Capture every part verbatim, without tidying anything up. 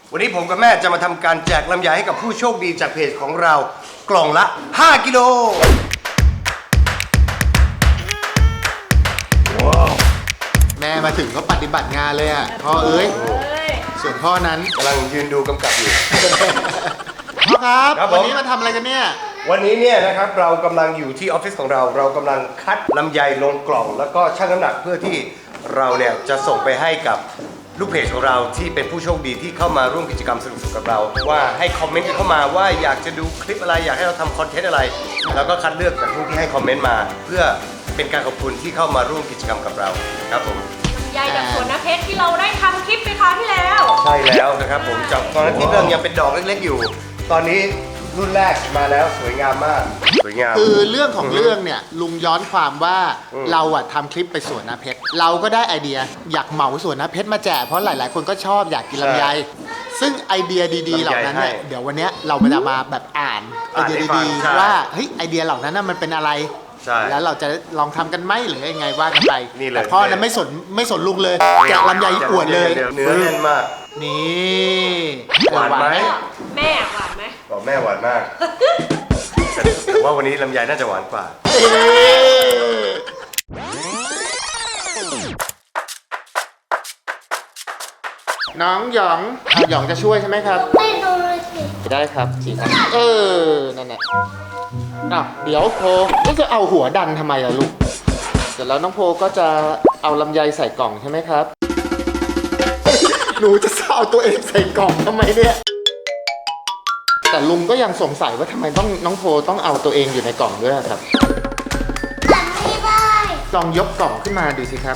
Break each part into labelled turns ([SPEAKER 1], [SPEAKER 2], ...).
[SPEAKER 1] วันนี้ผมกับแม่จะมาทำการแจกลำไยให้กับผู้โชคดีจากเพจของเรากล่องละห้ากิโล
[SPEAKER 2] แม่มาถึงก็ปฏิบัติงานเลยอ่ะพ่อเอ้ยส่วนพ่อนั้น
[SPEAKER 1] กำลังยืนดูกำกับอยู่
[SPEAKER 2] พ่อครับ
[SPEAKER 1] ครับ
[SPEAKER 2] วันนี้มาทำอะไรกันเนี่ย
[SPEAKER 1] วันนี้เนี่ยนะครับเรากำลังอยู่ที่ออฟฟิศของเราเรากำลังคัดลำไยลงกล่องแล้วก็ชั่งน้ำหนักเพื่อที่เราเนี่ยจะส่งไปให้กับลูกเพจของเราที่เป็นผู้โชคดีที่เข้ามาร่วมกิจกรรมสนุกๆกับเราว่าให้คอมเมนต์กันเข้ามาว่าอยากจะดูคลิปอะไรอยากให้เราทำคอนเทนต์อะไรแล้วก็คัดเลือกจากผู้ที่ให้คอมเมนต์มาเพื่อเป็นการขอบคุณที่เข้ามาร่วมกิจกรรมกับเราครับผม
[SPEAKER 3] ยายจากสวนน้ำเพชรที่เราได้ทำคลิปไปคราวที่แล้ว
[SPEAKER 1] ใช่แล้วนะครับผมจากตอนนั้นที่เรื่องยังเป็นดอกเล็กๆอยู่ตอนนี้รุ่นแรกมาแล้วสวยงามมากสวยงาม
[SPEAKER 2] คือเรื่องของเรื่องเนี่ยลุงย้อนความว่าเราอะทำคลิปไปสวนน้ำเพชรเราก็ได้ไอเดียอยากเหมาสวนน้ำเพชรมาแจกเพราะหลายๆคนก็ชอบอยากกินลำไยซึ่งไอเดียดีๆเหล่านั้นเนี่ยเดี๋ยววันนี้เราจะมาแบบอ่านไอเดียดีๆว่าเฮ้ยไอเดียเหล่านั้นมันเป็นอะไรแล้วเราจะลองทำกันไหมหรือยังไงว่ากันไปแต่พ่อนั้นไม่สนไม่สนลุงเลยแกะลำไยอวดเลย
[SPEAKER 1] เนื้อแน่นมาก
[SPEAKER 2] นี่
[SPEAKER 1] หวานไหม
[SPEAKER 3] แม่หวานไหม
[SPEAKER 1] บอกแม่หวานมากแต่ว่าวันนี้ลำไยน่าจะหวานกว่า
[SPEAKER 2] น้องหยองหยองจะช่วยใช่ไหมครับ
[SPEAKER 4] ไม่ดูเลยสิ
[SPEAKER 2] ได้ครับสิครับเออนั่นแหละอ่ะเดี๋ยวโพก็จะเอาหัวดันทำไมล่ะลูกเสร็จแล้วน้องโพก็จะเอาลำไยใส่กล่องใช่ไหมครับหนูจะเอาตัวเองใส่กล่องทำไมเนี่ยแต่ลุงก็ยังสงสัยว่าทำไมต้องน้องโพต้องเอาตัวเองอยู่ในกล่องด้วยครับ
[SPEAKER 4] จำไม่ได้
[SPEAKER 2] ลองยกกล่องขึ้นมาดูสิครับ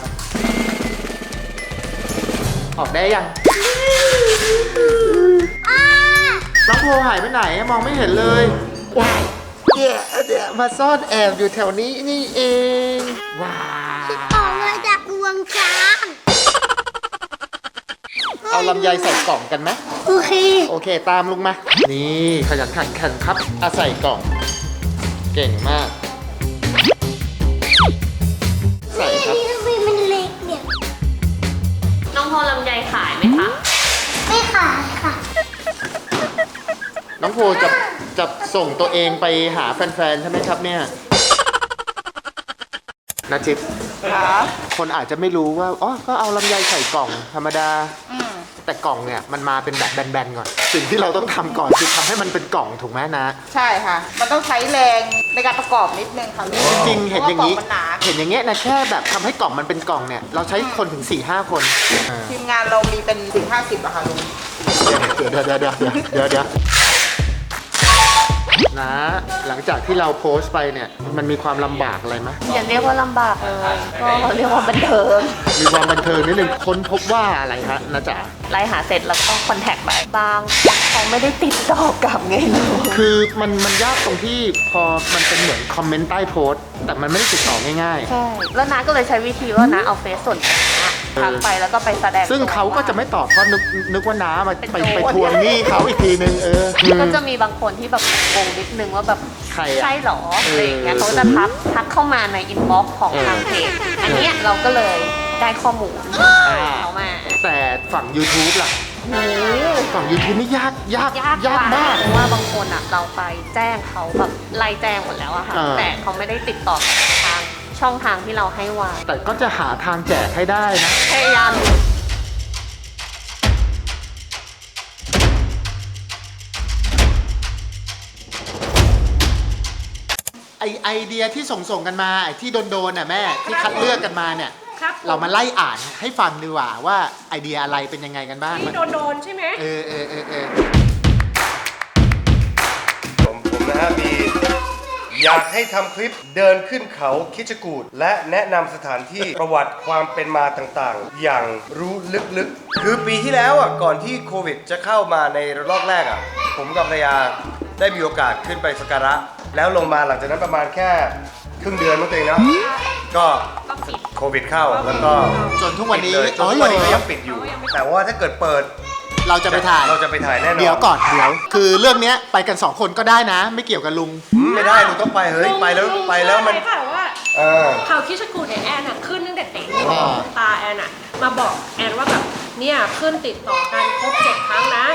[SPEAKER 2] ออกได้ยังน้องโพหายไปไหนมองไม่เห็นเลยว้ายเดี๋ยวเดี๋ยวมาซ่อนแอบอยู่แถวนี้นี่เองว้า
[SPEAKER 4] ออกมาจากรวงช้าง
[SPEAKER 2] เอาลำไยใส่กล่องกันไหม
[SPEAKER 4] โอเค
[SPEAKER 2] โอเคตามลุงมานี่ขยันขันขันครับเอาใส่กล่องเก่งมากใส่ครับ
[SPEAKER 4] ทำไมมันเล็กเนี่ย
[SPEAKER 3] น้องโพลำไยขายไหมคะ
[SPEAKER 4] ไม่ขายค่ะ
[SPEAKER 2] น้องโพจะจะส่งตัวเองไปหาแฟนๆใช่ไหมครับเนี่ยนาจิบคนอาจจะไม่รู้ว่าอ๋อก็เอาลำไยใส่กล่องธรรมดาแต่กล่องเนี่ยมันมาเป็นแบบแบนๆก่อนสิ่งที่เราต้องทำก่อนคือทำให้มันเป็นกล่องถูกไหมนะ
[SPEAKER 5] ใช่ค่ะมันต้องใช้แรงในการประกอบนิดนึงค่ะ
[SPEAKER 2] จริงๆเห็นอย่างนี้เห็นอย่างเงี้ยนะแค่แบบทำให้กล่องมันเป็นกล่องเนี่ยเราใช้คนถึง สี่ห้า คน
[SPEAKER 5] ทีมงานเรามีเป็นถึงห้าสิบอะค่ะลุง
[SPEAKER 2] เดี๋ยวเดี๋ยวเดี๋ยวเดี๋ยวเดี๋ยวเดี๋ยวนะหลังจากที่เราโพสต์ไปเนี่ยมันมีความลำบากอะไรไหม
[SPEAKER 3] อย่าเรียกว่าลำบากเลยก็เรียกว่าบันเทิง
[SPEAKER 2] มีความบันเทิงนิดนึงค้นพบว่าอะไรฮะนะจ๊ะ
[SPEAKER 3] ไล่หาเสร็จแล้วก็คอนแทคไปบางเขาไม่ได้ติดต่อกลับไงลูก
[SPEAKER 2] คือมันมันยากตรงที่พอมันเป็นเหมือนคอมเมนต์ใต้โพสต์แต่มันไม่ได้ติดต่อง่าย
[SPEAKER 3] ๆใช่แล้วน้าก็เลยใช้วิธีว่าน้าเอาเฟซส่วนทักไปแล้วก็ไปแสดง
[SPEAKER 2] ซึ่งเขาก็จะไม่ตอบเพราะนึกนึกว่าน้ามาไปไปทวงหนี้เขาอีกทีนึงเออ
[SPEAKER 3] ก็จะมีบางคนที่แบบงงนิดนึงว่าแบบ
[SPEAKER 2] ใคร
[SPEAKER 3] ใช่หรออะไรอย่างเงี้ยเขาจะทักทักเข้ามาในอินบ็อกซ์ของทางเพจอันเนี้ยเราก็เลยได้ข้อมูลเขามา
[SPEAKER 2] แต่ฝั่ง YouTube ล่ะฝั่ง YouTube นี่ยากยาก
[SPEAKER 3] ยากมากเพราะว่าบางคนอ่ะเราไปแจ้งเขาแบบไล่แจ้งหมดแล้วอะค่ะแต่เขาไม่ได้ติดต่อทางช่องทางที่เราให้วาง
[SPEAKER 2] แต่ก็จะหาทางแจกให้ได้นะ
[SPEAKER 3] พยายาม
[SPEAKER 2] ไอไอเดียที่ส่งส่งกันมาไอที่โดนๆน่ะแม่ที่คัดเลือกกันมาเนี่ยเรามาไล่อ่านให้ฟังดีกว่าว่าไอเดียอะไรเป็นยังไงกันบ้าง
[SPEAKER 3] ที่โดนๆใช่ไหม
[SPEAKER 2] เออเออเออเออ
[SPEAKER 1] ผมผมนะฮะมีอยากให้ทำคลิปเดินขึ้นเขาคิชกูฏและแนะนำสถานที่ประวัติความเป็นมาต่างๆอย่างรู้ลึกๆคือปีที่แล้วอ่ะก่อนที่โควิดจะเข้ามาในรอบแรกอ่ะผมกับภรรยาได้มีโอกาสขึ้นไปสักการะแล้วลงมาหลังจากนั้นประมาณแค่ครึ่งเดือนนั่นเองเนาะก็โควิดเข้าแล้วก็
[SPEAKER 2] จนทุกวันนี้
[SPEAKER 1] จนทุกวันนี้ก็ยังปิดอยู่แต่ว่าถ้าเกิดเปิด
[SPEAKER 2] เราจะไปถ่าย
[SPEAKER 1] เราจะไปถ่ายแน่นอน
[SPEAKER 2] เดี๋ยวก่อนเดี๋ยวคือเรื่องนี้ไปกันสองคนก็ได้นะไม่เกี่ยวกับลุง
[SPEAKER 1] ไม่ได้ลุงต้องไปเฮ้ยไปแล้วไปแล้วมัน
[SPEAKER 3] ว่าเขาคิชกูฏเนี่ยแอนอะขึ้นตั้งแต่เด็กตาแอนอะมาบอกแอนว่าแบบเนี่ยขึ้นติดต่อกันครบเจ็ดครั้งนะ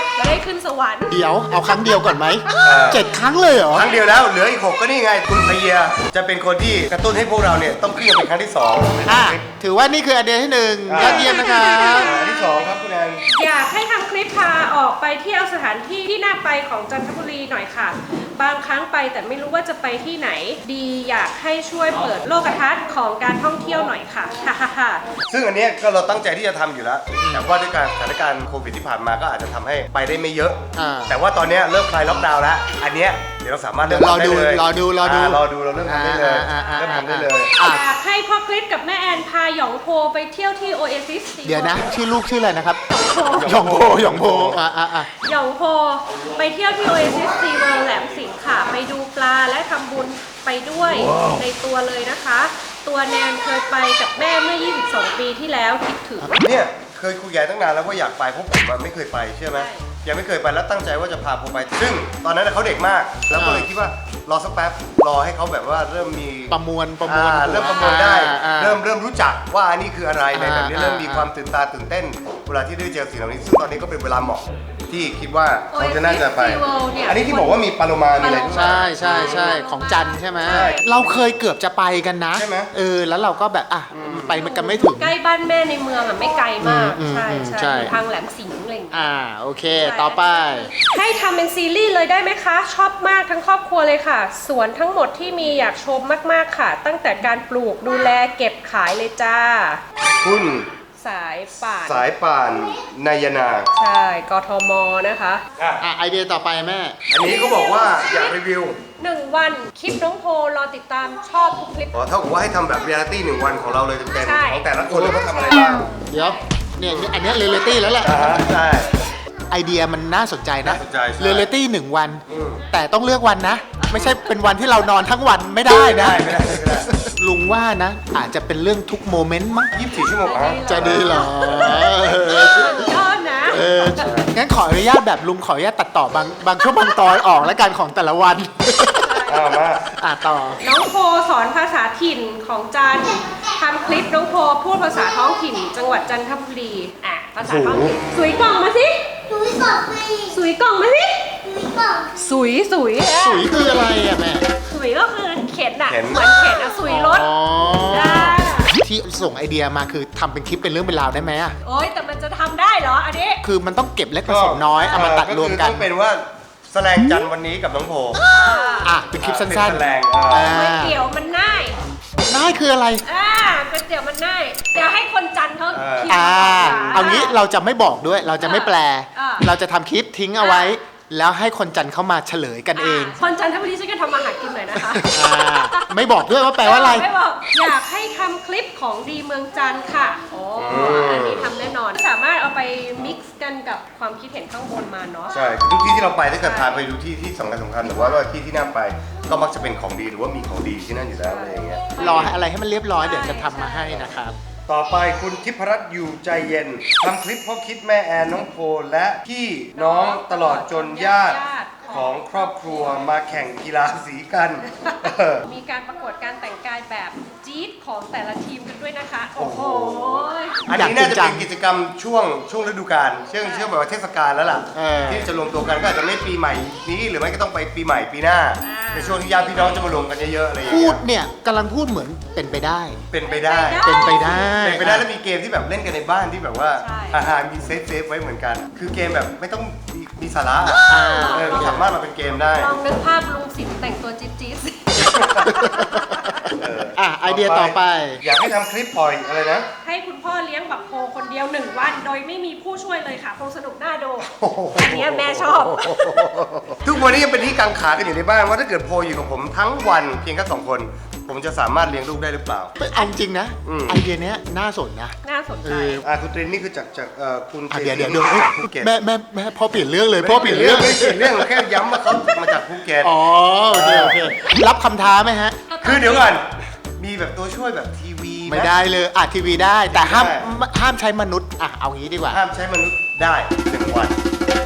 [SPEAKER 3] ขึ้นสวรรค์
[SPEAKER 2] เดี๋ยวเอาครั้งเดียวก่อนไหม
[SPEAKER 1] เออ
[SPEAKER 2] เจ็ดครั้งเลยเหรอ
[SPEAKER 1] ครั้งเดียวแล้วเหลืออีกหกก็นี่ไงคุณพเยียจะเป็นคนที่กระตุ้นให้พวกเราเนี่ยต้องขึ้นเป็นครั้งที่สอง
[SPEAKER 2] อ่ะถือว่านี่คือไอเดียที่หนึ่งยอดเยี่ยมนะครับ
[SPEAKER 1] อันที่สองครับคุณแอน
[SPEAKER 3] อยากให้ทำคลิปพาออกไปเที่ยวสถานที่ที่น่าไปของจันทบุรีหน่อยค่ะ บางครั้งไปแต่ไม่รู้ว่าจะไปที่ไหน ดีอยากให้ช่วยเปิดโลกทัศน์ของการท่องเที่ยวหน่อยค่ะฮ่าฮ่าฮ่า
[SPEAKER 1] ซึ่งอันเนี้ยก็เราตั้งใจที่จะทำอยู่แล้ว แต่ว่าด้วยการสถานการณ์โควิดที่ผ่านมาก็อาจจะทำให้ไปได้ไม่เยอะ
[SPEAKER 2] อ่า
[SPEAKER 1] แต่ว่าตอนเนี้ยเริ่มคลายล็อกดาวน์แล้ว อันเนี้ยเดี๋ยวเราสามารถ
[SPEAKER 2] เดี๋ยวรอดู
[SPEAKER 1] เมทำได้เลย
[SPEAKER 2] รอดูรอดู
[SPEAKER 1] ารอดูเราเริ่มทำได้เลย
[SPEAKER 2] อ่าอ่าอ่า
[SPEAKER 1] เริ่มทำได้เลย
[SPEAKER 2] อ่ะ
[SPEAKER 3] อยากให้พ่อคลิปกับแม่แอนพาหยองโพไปเที่ยวที่โอเอซิส
[SPEAKER 2] เดี๋ยวนะ ชื่อลูกชื่ออะไรนะครับหยองโพหยองโพอ่ะอ่ะอ่ะ
[SPEAKER 3] หยองโพไปเที่ยวที่โอเอซิสซีเวิลด์แหลมสิงห์ค่ะ ไปดูปลาและทำบุญไปด้วยในตัวเลยนะคะ ตัวแนนเคยไปกับแม่เมื่อ ยี่สิบสอง ปีที่แล้วคิดถึง
[SPEAKER 1] เนี่ยเคยคุยกันตั้งนานแล้วว่าอยากไปเพราะผมอะไม่เคยไปเชื่อไหม
[SPEAKER 3] ใช่
[SPEAKER 1] ยังไม่เคยไปแล้วตั้งใจว่าจะพาผมไป ซึ่งตอนนั้นเขาเด็กมาก แล้วก็เลยคิดว่ารอสักแป๊บรอให้เขาแบบว่าเริ่มมี
[SPEAKER 2] ประมวลประมวล
[SPEAKER 1] อ่าเริ่มประมวลได้
[SPEAKER 2] อ่าอ่า
[SPEAKER 1] เริ่มเริ่มรู้จักว่าอันนี้คืออะไรในแบบนี้
[SPEAKER 2] อ่า
[SPEAKER 1] เริ่มมี
[SPEAKER 2] อ่า
[SPEAKER 1] ความตื่นตาตื่นเต้นเวลาที่ได้เจอสิ่งเหล่านี้ซึ่งตอนนี้ก็เป็นเวลาเหมาะที่คิดว่าเขาจะน่าจะไป
[SPEAKER 3] Oasis SeaWorld เนี่ย
[SPEAKER 1] อันนี้ที่บอกว่ามีปลาโลมามีอะไรด้วย
[SPEAKER 2] ใช่ใช่ใช่ของจันทร์ใช่ไหม
[SPEAKER 1] ใช่
[SPEAKER 2] เราเคยเกือบจะไปกันนะ
[SPEAKER 1] ใช่ไหม
[SPEAKER 2] เออแล้วเราก็แบบอ่ะไปมันกันไม่ถึง
[SPEAKER 3] ใกล้บ้านแม่ในเมืองอ่ะไม่ไกลมาก
[SPEAKER 2] อืม
[SPEAKER 3] ใช่
[SPEAKER 2] อืม
[SPEAKER 3] ใช่
[SPEAKER 2] ใช่
[SPEAKER 3] อยู่ทางแหลมสิงห์อะไรอย่างเงี้ย
[SPEAKER 2] อ่าโอเค ต่อไป
[SPEAKER 3] ให้ทำเป็นซีรีส์เลยได้ไหมคะ ชอบมากทั้งครอบครัวเลยค่ะ สวนทั้งหมดที่มีอยากชมมากๆค่ะ ตั้งแต่การปลูกดูแลเก็บขายเลยจ้า
[SPEAKER 1] คุณ
[SPEAKER 3] สายป่าน
[SPEAKER 1] สายป่านนายนา
[SPEAKER 3] ใช่กทมนะคะ
[SPEAKER 1] อ่ะ
[SPEAKER 2] อ่ะไอเดียต่อไปแม่
[SPEAKER 1] อันนี้เขาบอกว่าอยากรีวิว
[SPEAKER 3] หนึ่งวันคลิปน้องโพรอติดตามชอบทุกคลิป
[SPEAKER 1] อ๋อเท่ากับว่าให้ทำแบบเรียลลิตี้หนึ่งวันของเราเลยเต็ม
[SPEAKER 3] ใช่
[SPEAKER 1] ๆของแต่ละคนเลยเขาทำอะไรบ้าง
[SPEAKER 2] เดี๋ยวเนี่ยอันเนี้ยเรเลตี้แล้วแหละ
[SPEAKER 1] อ่าฮะใช่
[SPEAKER 2] ไอเดียมันน่าสนใจนะ
[SPEAKER 1] น่าสนใจใช่
[SPEAKER 2] เรเลตี้หนึ่งวัน
[SPEAKER 1] อืม
[SPEAKER 2] แต่ต้องเลือกวันนะ ไม่ใช่เป็นวันที่เรานอนทั้งวันไม่ได้นะ
[SPEAKER 1] ไม่ได้ไม่ได้
[SPEAKER 2] ลุงว่านะ อาจจะเป็นเรื่องทุกโมเมนต์มั้ง
[SPEAKER 1] ยี่สิบสี่ชั่วโมงอ่ะ
[SPEAKER 2] จะดีเหรอ
[SPEAKER 3] ยอดนะ
[SPEAKER 2] เอองั้นขออนุญาตแบบลุงขออนุญาตตัดต่อบางบางช่วงบางตอนออกแล้วกันของแต่ละวัน
[SPEAKER 1] เอามา
[SPEAKER 2] อ่ะต่อ
[SPEAKER 3] น้องโพสอนภาษาถิ่นของจันทร์ทำคลิปน้องโพพูดภาษาท้องถิ่น จังหวัดจันทบุรีอ่ะภาษาท้องถิ่นสุยกล่องมาสิ
[SPEAKER 4] หนูสอบฟรี
[SPEAKER 3] สุยกล่องมาสิ
[SPEAKER 4] หนูสอบ
[SPEAKER 3] สุยสุยอ่ะ
[SPEAKER 2] สุยคืออะไรอ่ะแม่
[SPEAKER 3] สุยก็คือเข็นอ่ะเหมือนเข็นอ่ะสุยรถ
[SPEAKER 2] อ๋อ
[SPEAKER 3] อ่า
[SPEAKER 2] ที่ส่งไอเดียมาคือทำเป็นคลิปเป็นเรื่องเป็นราวได้ไหมอ่ะ
[SPEAKER 3] โอ๊ยแต่มันจะทำได้เหรออันนี้
[SPEAKER 2] คือมันต้องเก็บเล็กผสมน้อยเอามาตัดรวมกัน
[SPEAKER 1] ก็คือต้องเป็นว่าแสลงจันทร์วันนี้กับน้องโพ
[SPEAKER 2] อ่ะเป็นคลิปสั้น
[SPEAKER 1] เป็นแสลง
[SPEAKER 2] ๆ
[SPEAKER 1] อ่า
[SPEAKER 3] ก๋วยเตี๋ยวมันง่าย
[SPEAKER 2] ง่ายคืออะไร
[SPEAKER 3] อ่าก๋วยเตี๋ยวมันง่ายเดี๋ยวให้คนจันทร์เขาเขียน
[SPEAKER 2] อ่า
[SPEAKER 3] ภษ
[SPEAKER 2] เอางี้เราจะไม่บอกด้วย เราจะไม่แปล
[SPEAKER 3] อ่า
[SPEAKER 2] เราจะทำคลิปทิ้งเอาไว้ แล้วให้คนจันทร์เข้ามาเฉลยกันเอง
[SPEAKER 3] คนจันทบุรีช่วยกันทำอาหารกินหน่อยนะคะ
[SPEAKER 2] อ่าไม่บอกด้วยว่าแปลว่าอะไร
[SPEAKER 3] ไม่บอกอยากให้ทำคลิปของดีเมืองจันทร์ค่ะโอ้อันนี้ทำแน่นอน สามารถเอาไปมิกซ์กันกับความคิดเห็นข้างบนมาเนาะ
[SPEAKER 1] ใช่ทุกที่ที่เราไปถ้าเกิดพาไปดูที่ที่สำคัญสำคัญหรือว่าว่าที่ที่น่าไปก็มักจะเป็นของดีหรือว่ามีของดีที่นั่นอยู่แล้วอะไรอย่างเงี้ย
[SPEAKER 2] รอให้อะไรให้มันเรียบร้อยเดี๋ยวจะทำมาให้นะครับ
[SPEAKER 1] ต่อไปคุณทิพรัตน์อยู่ใจเย็นทำคลิปพ่อคิดแม่แอนน้องโพและพี่น้องตลอดจนญาติของครอบครัวมาแข่งกีฬาสีกันเออ
[SPEAKER 3] มีการประกวดการแต่งกายแบบจี๊ดของแต่ละทีมกันด้วยนะคะ โอ้โห
[SPEAKER 1] อันนี้น่าจะเป็นกิจกรรมช่วงช่วงฤดูกาลเชื่อเชื่อแบบว่าเทศกาลแล้วล่ะ
[SPEAKER 2] เออ
[SPEAKER 1] ที่จะรวมตัวกันก็อาจจะไม่ปีใหม่นี้หรือไม่ก็ต้องไปปีใหม่ปีหน้าในช่วงที่ญาติพี่น้องจะมารวมกันเยอะๆอะไรอย่าง
[SPEAKER 2] พู
[SPEAKER 1] เงี้
[SPEAKER 2] ด
[SPEAKER 1] ย
[SPEAKER 2] เนี่ยกำลังพูดเหมือนเป็นไปได้
[SPEAKER 1] เป็นไปได้
[SPEAKER 2] เป็นไปได้
[SPEAKER 1] เป็นไปได้แล้วมีเกมที่แบบเล่นกันในบ้านที่แบบว่า
[SPEAKER 3] ใช่
[SPEAKER 1] อาหารมีเซฟเซฟไว้เหมือนกัน คือเกมแบบไม่ต้องมีมีสาระอะ
[SPEAKER 2] อ่า
[SPEAKER 1] เออก็สามารถมาเป็นเกมได้
[SPEAKER 3] ลองนึกภาพลุงสินแต่งตัวจี๊ดจี๊ดสิ
[SPEAKER 1] เออ
[SPEAKER 2] อ่ะไอเดียต่อไป
[SPEAKER 1] อยากให้ทำคลิปปล่อยอะไรนะ
[SPEAKER 3] ให้คุณพ่อเลี้ยงบักโพคนเดียวหนึ่งวัน โดยไม่มีผู้ช่วยเลยค่ะคงสนุกน่าดูอันเนี้ยแม่ชอบ
[SPEAKER 1] ทุกวันนี้ยังเป็นที่กังขากันอยู่ในบ้านว่าถ้าเกิดโพลอยู่กับผมทั้งวันเพียงแค่สองคน ผมจะสามารถเลี้ยงลูกได้หรือเปล่า
[SPEAKER 2] เอาจริงนะ
[SPEAKER 1] อืม
[SPEAKER 2] ไอเดียเนี้ยน่าสนนะ
[SPEAKER 3] น่าสนใจ
[SPEAKER 2] เออ
[SPEAKER 1] อ่าคุณตรินนี่คือจากจากเอ่อคุณ
[SPEAKER 2] อ่ะ
[SPEAKER 1] จ
[SPEAKER 2] เดี๋ยวเดี๋ยว
[SPEAKER 1] สิ
[SPEAKER 2] เดี๋ยว
[SPEAKER 1] งห์
[SPEAKER 2] เอ้ย
[SPEAKER 1] ภูเก็ต
[SPEAKER 2] แม่แม่แม่พ่อเปลี่ยนเรื่องเลย
[SPEAKER 1] ไม่
[SPEAKER 2] พ่อ
[SPEAKER 1] ได้
[SPEAKER 2] เปลี่ยนเรื่อง
[SPEAKER 1] ไม่ได้เปลี่ยนเรื่องแค่ย้ำว่าเขามาจากภูเก็ต
[SPEAKER 2] อ๋อโอเคโอเค รับคำท้าไหมฮะ
[SPEAKER 1] คือเดี๋ยวก่อนมีแบบตัวช่วยแบบทีวีห
[SPEAKER 2] ไม่ได้เลยอ่ะทีวีได้ แต่ห้าม
[SPEAKER 1] ไม่ได้
[SPEAKER 2] ห้ามใช้มนุษย์ อ่ะ เอางี้ดีกว่า
[SPEAKER 1] ห้ามใช้มนุษย์ได้หนึ่งวัน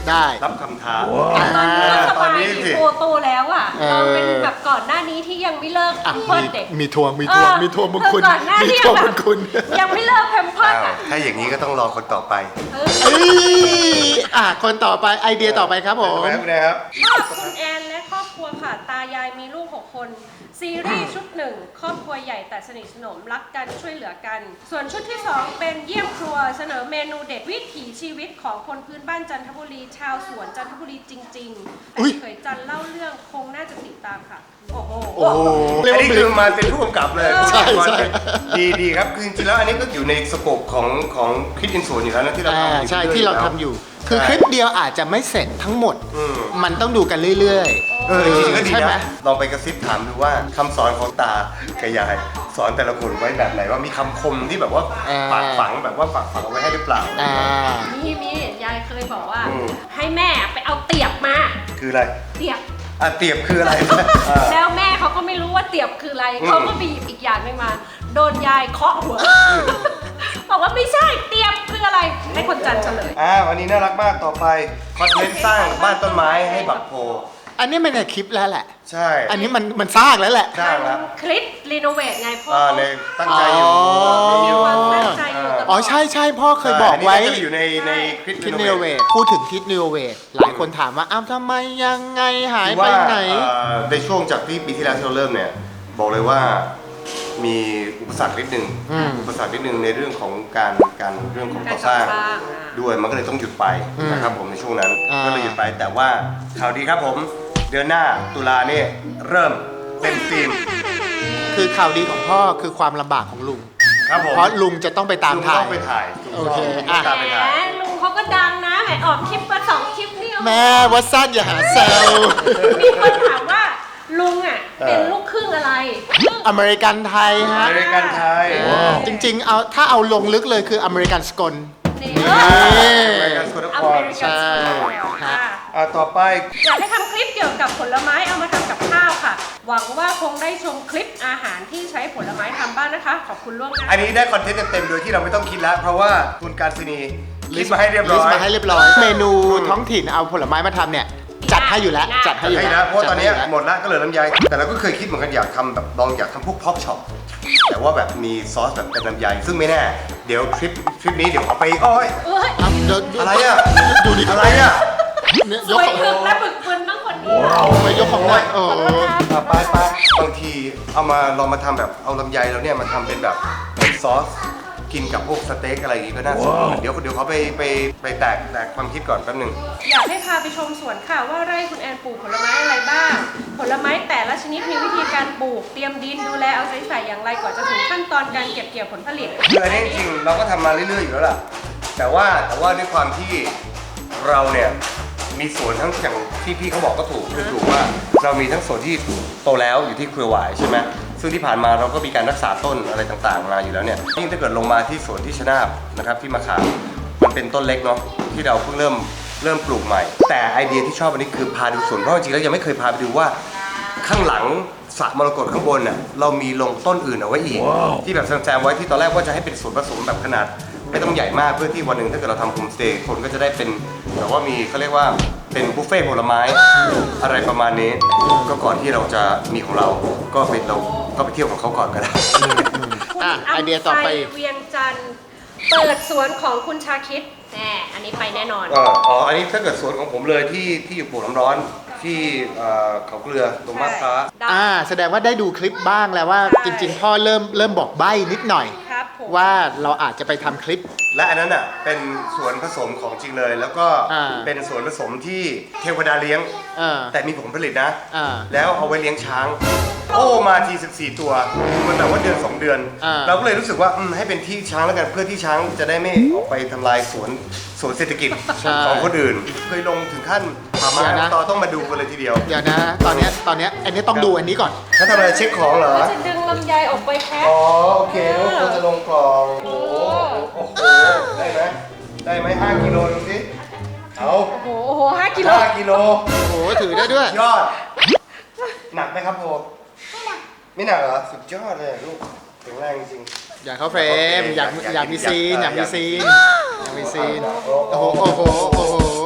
[SPEAKER 2] ได้
[SPEAKER 1] รับคำท้า
[SPEAKER 2] อ่า
[SPEAKER 3] ส
[SPEAKER 1] ตอน
[SPEAKER 3] บาย
[SPEAKER 1] นี้สิ
[SPEAKER 3] โตโตแล้วอ่ะ
[SPEAKER 2] เออ
[SPEAKER 3] เราเป็นแบบก่อนหน้านี้ที่ยังไม่เลิก
[SPEAKER 2] อ่ะ
[SPEAKER 3] เพิ
[SPEAKER 2] มี
[SPEAKER 3] ร์ดเด็ก
[SPEAKER 2] มีทวงมีทวง
[SPEAKER 3] เออ
[SPEAKER 2] มีทวงบุญคุณ
[SPEAKER 3] ก่อนหน้า
[SPEAKER 2] มี
[SPEAKER 3] ที่
[SPEAKER 2] ทวง
[SPEAKER 3] แบ
[SPEAKER 2] บุ
[SPEAKER 3] บ
[SPEAKER 2] ญคุณ
[SPEAKER 3] ยังไม่เลิกแพมเพิร์ด
[SPEAKER 1] อ้าว
[SPEAKER 3] อ่ะ
[SPEAKER 1] ถ้าอย่างนี้ก็ต้องรอคนต่อไป
[SPEAKER 3] เออ
[SPEAKER 2] เอ้ยอ่ะคนต่อไปไอเดียต่อไปครับผม
[SPEAKER 1] ไปคุณแอนครับ
[SPEAKER 3] ชอบคุณแอนและครอบครัวค่ะ ตายายมีลูกหกคน ซีรีส์ชุดหนึ่งครอบครัวใหญ่แต่สนิทสนมรักกันช่วยเหลือกัน ส่วนชุดที่สองเป็นเยี่ยมครัวเสนอเมนูเด็ดวิถีชีวิตของคนพื้นบ้านจันทบุรี ชาวสวนจันทบุรีจริงๆ
[SPEAKER 2] อุ๊
[SPEAKER 3] แต่
[SPEAKER 2] ย
[SPEAKER 3] เขยจันเล่าเรื่องคงน่าจะติดตามค่ะ โอ้โห
[SPEAKER 2] โอ้โหเรียก
[SPEAKER 1] อัน
[SPEAKER 2] ว่า
[SPEAKER 1] นี้
[SPEAKER 2] เป็น
[SPEAKER 1] คือมาเป็นผู้กำกับเลย
[SPEAKER 2] ใช่ใช่
[SPEAKER 1] ดีดีครับคือจริงๆแล้วอันนี้ก็อยู่ในสโคปของของคิดอินสูนอยู่แล้วนะที่เรา
[SPEAKER 2] อ่า
[SPEAKER 1] ทำอยู่
[SPEAKER 2] ใช่
[SPEAKER 1] รื่อยๆ
[SPEAKER 2] ที่เรา
[SPEAKER 1] แล้ว
[SPEAKER 2] ทำอยู่ คือ
[SPEAKER 1] ใช่
[SPEAKER 2] คลิปเดียวอาจจะไม่เสร็จทั้งหมด
[SPEAKER 1] อืม
[SPEAKER 2] มันต้องดูกันเรื่อยๆ
[SPEAKER 1] เออจริงๆก็ดี
[SPEAKER 2] ใช่ไหม
[SPEAKER 1] นะลองไปกระซิบถามดูว่าคำสอนของตากับยายสอนแต่ละคนไว้แบบไหนว่ามีคำคมที่แบบว่า
[SPEAKER 2] อ่า
[SPEAKER 1] ฝากฝังแบบว่าฝากฝังเอาไว้ให้หรือเปล่า
[SPEAKER 2] อ่า
[SPEAKER 3] มีมียายเคยบอกว่า
[SPEAKER 1] อืม
[SPEAKER 3] ให้แม่ไปเอาเตียบมา
[SPEAKER 1] คืออะไร
[SPEAKER 3] เตียบ
[SPEAKER 1] อ่ะเตียบคืออะไรอ่า
[SPEAKER 3] แล้วแม่เขาก็ไม่รู้ว่าเตียบคืออะไร
[SPEAKER 1] อืม
[SPEAKER 3] เขาก็ไปหยิบอีกอย่างหนึงมา โดนยายเคาะหัว บอกว่าไม่ใช่เตียบคืออะไร ให้คนจันทร์เฉลย
[SPEAKER 1] อ่าวันนี้น่ารักมากต่อไปคอนเทนต์สร้างบ้านต้นไม้ให้บักโพ
[SPEAKER 2] อันนี้มันในคลิปแล้วแหละ
[SPEAKER 1] ใช่
[SPEAKER 2] อันนี้มันมันสร้างแล้วแหละ
[SPEAKER 1] สร้างแล้ว
[SPEAKER 3] คลิปรีโนเวทไงพ่อ
[SPEAKER 1] อ่าในตั้งใจอยู่
[SPEAKER 2] อ๋อ
[SPEAKER 3] มีความตั้งใจอยู่ตลอด
[SPEAKER 2] อ๋อใช่ใช่พ่อเคยบอกไว้
[SPEAKER 1] นนี้ก็จะอยู่ในในคลิป
[SPEAKER 2] คิดนิวเวทพูดถึงคิดนิวเวทหลายคนถามว่าอ้าวทำไมยังไงหายไป
[SPEAKER 1] ว่า
[SPEAKER 2] ไหน
[SPEAKER 1] เอ่อในช่วงจากที่ปีที่แล้วที่เราเริ่มเนี่ย บอกเลยว่ามีอุปสรรคนิดนึง
[SPEAKER 2] อืม
[SPEAKER 1] อุปสรรคนิดนึงในเรื่องของการการเรื่องของก่อสร้าง
[SPEAKER 3] การก่อสร้างอ่ะ
[SPEAKER 1] ด้วยมันก็เลยต้องหยุดไป
[SPEAKER 2] อืม
[SPEAKER 1] นะครับผมในช่วงนั้น
[SPEAKER 2] อ่า
[SPEAKER 1] ก็เลยหยุดไปแต่ว่าข่าวดีครับผมเดือนหน้าตุลาเนี่ยเริ่มเต็มฟิล์ม
[SPEAKER 2] คือข่าวดีของพ่อคือความลำบากของลุง
[SPEAKER 1] ครับผม
[SPEAKER 2] เพราะลุงจะต้องไปตาม
[SPEAKER 1] ลุง
[SPEAKER 2] ถ่า
[SPEAKER 1] ต้
[SPEAKER 2] ย
[SPEAKER 1] องไปถ่าย
[SPEAKER 2] โอเค
[SPEAKER 1] ลุง
[SPEAKER 2] อ่ะ
[SPEAKER 1] ต้องตามไป
[SPEAKER 3] แหม
[SPEAKER 1] ถ่าย
[SPEAKER 3] ลุงเขาก็ดังนะแหมออกคลิปมาสองคลิปนี่
[SPEAKER 2] แม่วัดสั้นอย่าหาแซว
[SPEAKER 3] มีคนถามว่าลุงอ่ะเป็นลูกครึ่งอะไร
[SPEAKER 2] อเมริกันไทย
[SPEAKER 1] อ
[SPEAKER 2] ฮะ
[SPEAKER 1] เมริกันไทย
[SPEAKER 2] จริงๆเอาถ้าเอาลงลึกเลยคืออเมริกันสกล
[SPEAKER 3] นี่
[SPEAKER 2] นี่
[SPEAKER 1] อเมริกันสกลน
[SPEAKER 3] อ
[SPEAKER 1] ค
[SPEAKER 3] เม
[SPEAKER 1] ร
[SPEAKER 3] ริกันสโล
[SPEAKER 2] ใช่
[SPEAKER 3] ค่ะ
[SPEAKER 1] อ่ะต่อไป
[SPEAKER 3] อยากให้ทำคลิปเกี่ยวกับผลไม้เอามาทำกับข้าวค่ะ หวังว่าคงได้ชมคลิปอาหารที่ใช้ผลไม้ทำบ้างนะคะ ขอบคุณล่วงหน้า
[SPEAKER 1] อันนี้ได้คอนเทนต์เต็มๆโดยที่เราไม่ต้องคิดแล้ว เพราะว่าคุณการศินีลิสต์มาให้เรียบร้
[SPEAKER 2] ลิส
[SPEAKER 1] อย
[SPEAKER 2] ต์มาให้เรียบร้อย เมนูท้องถิ่นเอาผลไม้มาทำเนี่ย จัดให้อยู่แล้ว จัดให้อยู่
[SPEAKER 1] ให้
[SPEAKER 2] แล้
[SPEAKER 1] นะ
[SPEAKER 2] ว
[SPEAKER 1] เพราะว่าตอนนี้
[SPEAKER 2] จัดให้ยู่
[SPEAKER 1] หมดละก็เหลือลำไยแต่เราก็เคยคิดเหมือนกันอยากทำแบบลองอยากทำพวกพ็อกช็อปแต่ว่าแบบมีซอสแบบเป็นลำไยซึ่งไม่แน่เดี๋ยวทริปทริปนี้เดี๋ยวเอาไปโอ้ย
[SPEAKER 3] เอ้ย
[SPEAKER 2] อ่ะเดี๋ยวดู
[SPEAKER 1] อะไรอ่ะ
[SPEAKER 2] ดูดิ
[SPEAKER 1] อะไรอ่ะ
[SPEAKER 2] เนี่ย
[SPEAKER 3] ส
[SPEAKER 2] ยก
[SPEAKER 3] วย
[SPEAKER 2] ของ
[SPEAKER 3] ถึกและบึกบึนต้องคนนี้
[SPEAKER 2] ไปยกของหน่อยโอ้โห
[SPEAKER 1] อ่ะไปไปบางทีเอามาลองมาทำแบบเอาลำไยแล้วเนี่ยมาทำเป็นแบบเป็นซอสกินกับพวกสเต็กอะไรอย่างงี้ก็น่าสนเดี๋ยวเดี๋ยวเขาไปไปไปแตกแตกความคิดก่อนแป๊บหนึง
[SPEAKER 3] อยากให้พาไปชมสวนค่ะว่าไร่คุณแอนปลูกผลไม้อะไรบ้าง ผลไม้แต่ละชนิดมีวิธีการปลูก เตรียมดินดูแลเอาใจใส่อย่างไรกว่าจะถึงขั้นตอนการเก็บเกี่ยวผลผลิต
[SPEAKER 1] คืออันนี้จริงๆเราก็ทำมาเรื่อยๆอยู่แล้วล่ะ แต่ว่าแต่ว่าด้วยความที่เราเนี่ยมีสวนทั้งอย่างที่พี่เขาบอกก็ถูกคือถูกว่าเรามีทั้งสวนที่โตแล้วอยู่ที่เครือหวายใช่ไหมซึ่งที่ผ่านมาเราก็มีการรักษาต้นอะไรต่างๆมาอยู่แล้วเนี่ยยิ่งถ้าเกิดลงมาที่สวนที่ชนาบนะครับที่มะขามมันเป็นต้นเล็กเนาะที่เราเพิ่งเริ่มเริ่มปลูกใหม่ แต่ไอเดียที่ชอบอันนี้คือพาดูสวนเพราะจริงๆแล้วยังไม่เคยพาไปดูว่า ข้างหลังสระมรกตข้างบนน่ะเรามีลงต้นอื่นเอาไว้อีก ที่แบบแซมๆไว้ที่ตอนแรกว่าจะให้เป็นส่วนผสมแบบขนาด ไม่ต้องใหญ่มากเพื่อที่วันหนึ่งถ้าเกิดเราทำโฮมสเตย์คนก็จะได้เป็นแบบว่ามีเขาเรียกว่าเป็นบุฟเฟ่ต์ผลไม้ อะไรประมาณนี้ ก็ก่อนที่เราจะมีของเราก็ไปเราก็ไปเที่ยวของเขาก่อนก็ได้
[SPEAKER 3] คุณ
[SPEAKER 2] อ่ะไอเดียต่อไป
[SPEAKER 3] เวียงจันทร์เปิดสวนของคุณชาคิดแน่อันนี้ไปแน่นอน
[SPEAKER 1] เอ่ออ๋อ อันนี้ถ้าเกิดสวนของผมเลยที่ที่อยู่ปลูกน้ำร้อนที่เอ่อเขาเกลือตรงมาบพร้า
[SPEAKER 3] ได้
[SPEAKER 2] อ่าแสดงว่าได้ดูคลิปบ้างแล้วว่า
[SPEAKER 3] ใช่
[SPEAKER 2] จริง ๆ พ่อเริ่มเริ่มบอกใบ้นิดหน่อย
[SPEAKER 3] ครับผม
[SPEAKER 2] ว่าเราอาจจะไปทำคลิป
[SPEAKER 1] และอันนั้นอ่ะเป็นสวนผสมของจริงเลย แล้วก็
[SPEAKER 2] อ่า
[SPEAKER 1] เป็นสวนผสมที่เทวดาเลี้ยง
[SPEAKER 2] อ่า
[SPEAKER 1] แต่มีผลผลิตนะ
[SPEAKER 2] อ่า
[SPEAKER 1] แล้วเอาไว้เลี้ยงช้าง โอ้มาทีสิบสี่ตัวมันแบบว่าเดือนสองเดือน
[SPEAKER 2] อ่า
[SPEAKER 1] เราก็เลยรู้สึกว่าอืมให้เป็นที่ช้างแล้วกันเพื่อที่ช้างจะได้ไม่ออกไปทำลายสวนสวนเศรษฐกิจของคนอื่น เคยลงถึงขั้นป่าไม้ต่อต้องมาดูกันเลยทีเดียว
[SPEAKER 2] เดี๋ยวนะ ตอนเนี้ยตอนเนี้ยอันนี้ต้องดูอันนี้ก่อน
[SPEAKER 1] เขาทำอะไรเช็คของเหรอ
[SPEAKER 3] เราจะดึงลำไยออกไปแพ็ค
[SPEAKER 1] อ๋อโอเคนึกว่าควรจะลงกล่องโอ้โหโอ้โหได้ไหมได้ไหมห้ากิโลดูสิเอา
[SPEAKER 3] โอ้โหโอ้โหห้ากิโล
[SPEAKER 1] ห้ากิโล
[SPEAKER 2] โอ้โหถือได้ด้วย
[SPEAKER 1] ยอด หนักไหมครับโพไม่หนักเหรอ สุดยอดเลยลูกแข็งแรงจริง
[SPEAKER 2] อยากเข้าเฟรม อยาก
[SPEAKER 1] อยาก
[SPEAKER 2] อยากมีซีน อยากมีซีน อยากมีซีน โอ้โห โอ้โห โอ้โห